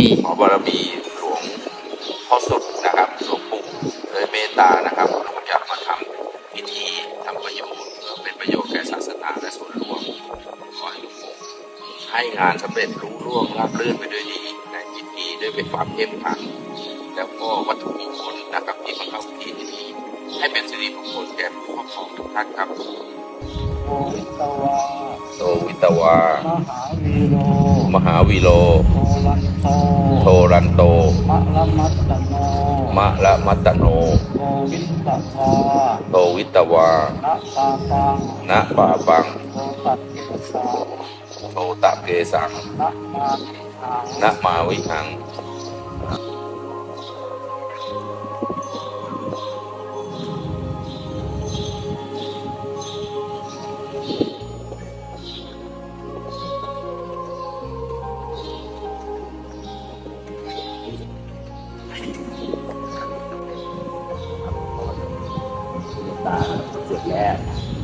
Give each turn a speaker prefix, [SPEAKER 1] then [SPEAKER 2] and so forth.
[SPEAKER 1] ขอบารมีหลวงพ่อสุดนะครับหลวงปู่เลยเมตตานะครับผมอยากมาทำพิธีทำประโยชน์เพื่อเป็นประโยชน์แก่ศาสนาและส่วนรวมขอให้หลวงปู่ให้งานสำเร็จรุ่งเรืองราบรื่นไปด้วยดีในพิธีด้วยเป็นความเข้มขลังแล้วก็วัตถุมงคลนะครับที่มาเข้าพิธีนี้ให้เป็นสิริมงคลแก่ผู้ครอบครองทุกท่านครับ
[SPEAKER 2] โอวิตวา
[SPEAKER 1] โตวิตวา
[SPEAKER 2] มหาวีโร
[SPEAKER 1] มหาวีโล
[SPEAKER 2] โทรันโต
[SPEAKER 1] โทรันโต
[SPEAKER 2] มะละมัตตโน
[SPEAKER 1] มะละมัตตโน
[SPEAKER 2] โอวิตวา
[SPEAKER 1] โตวิตวา
[SPEAKER 2] ณปาปัง
[SPEAKER 1] ณปาปัง
[SPEAKER 2] โอตัดเกสา
[SPEAKER 1] โทตะเกสัง
[SPEAKER 2] ณมาวิหัง
[SPEAKER 1] ณมาวิหังตาเสร็จแล้ว